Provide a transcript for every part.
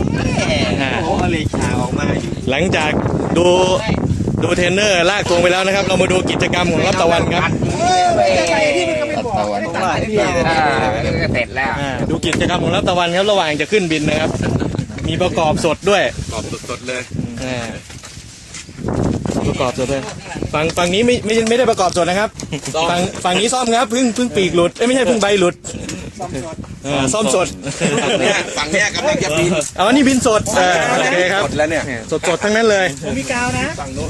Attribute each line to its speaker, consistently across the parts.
Speaker 1: โอ้เลชาออกมาอยู่
Speaker 2: หลังจากดูเทรนเนอร์ลากตวงไปแล้วนะครับ เรามาดูกิจกรรมของรับตะวันครับ
Speaker 3: ตะวันตัดที่เสร็จแล้ว
Speaker 2: ดูกิจกรรมของรับตะวันครับระหว่างจะขึ้นบินนะครับ มีประกอบสดด้วย
Speaker 1: กรอบสดๆเลย
Speaker 2: ประกอบสดด้วยฝั่งนี้ไม่ได้ประกอบสดนะครับฝั่งนี้ซ่อมครับเพิ่งปีกหลุดไม่ใช่เพิ่งใบหลุดซ่อมสด
Speaker 1: ฝั่งเนี้ยกำลังจะบิน
Speaker 2: เอาอันนี้บินสดโอเคครับ
Speaker 1: สดแล้วเนี่ย
Speaker 2: สดทั้งนั้นเลย
Speaker 4: ผมมีกาวนะ
Speaker 1: ฝั่งโน้น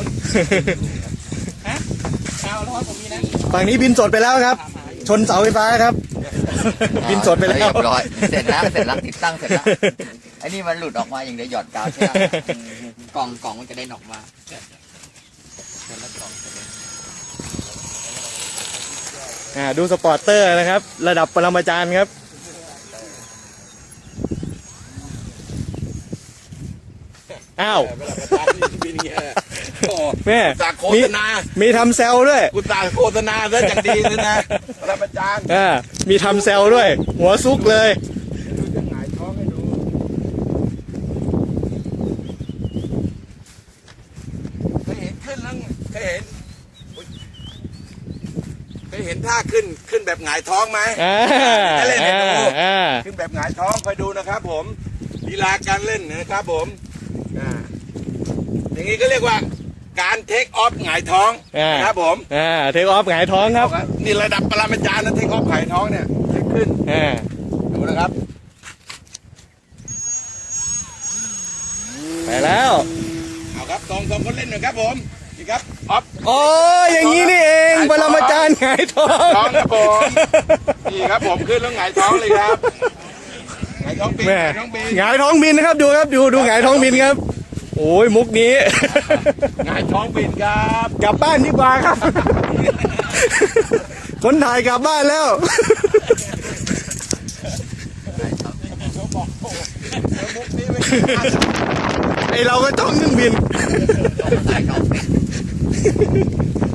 Speaker 4: กาวแล้วผมมีนะ
Speaker 2: ฝั่งนี้บินสดไปแล้วครับ ชนเสาไฟฟ้าครับ บินสดไปแล้ว
Speaker 3: เรียบร้อยเสร็จแล้วติดตั้งเสร็จแล้วไอ้นี่มันหลุดออกมาอย่างเดียวหยอดกาวใช่ไหมกล่องมันจะได้ออกมา
Speaker 2: ดูสปอร์ตเตอร์นะครับ ระดับปรมาจารย์ครับอ้าวแม่
Speaker 1: จากโฆษณา
Speaker 2: มีทำเซลด้วย
Speaker 1: กูตาโฆษณาซะจากดีเลยนะพระอาจารย์
Speaker 2: มีทำเซลด้วย หัวซุกเลย
Speaker 1: ดูจะหงายท้องให้ดูเคยเห็นขึ้นแล้วเคยเห็นท่าขึ้นแบบหงายท้องไหมจะเล่นให้ดูขึ้นแบบหงายท้องคอยดูนะครับผมลีลาการเล่นนะครับผมอย่างนี้ก็เรียกว่าการเทคออฟหงายท้องนะครับผม
Speaker 2: เทคออฟหงายท้องครับ
Speaker 1: นี่ระดับปรมาจารย์นะเทคออฟหงายท้องเนี่ยเทคขึ้นดูนะครับ
Speaker 2: ไปแล้ว
Speaker 1: เอาครับสองคนเล่นหน่อยครับผมนี่ครับออฟ
Speaker 2: โอ้อย่างนี้นี่เองปรมาจารย์หงายท้อง
Speaker 1: ท้องครับผมนี่ครับผมขึ้นแล้วหงายท้องเลยครับหงายท้องบิน
Speaker 2: แม่
Speaker 1: หงายท้องบิน
Speaker 2: หงายท้องบินนะครับดูครับดูหงายท้องบินครับ โอ้ยมุกนี้
Speaker 1: หงายท้องบินครับ
Speaker 2: กลับบ้านดีกว่าครับ คนถ่ายกลับบ้านแล้ว
Speaker 1: มุกนี้ไม่
Speaker 2: ไอเราก็จ้องเครื่องบิน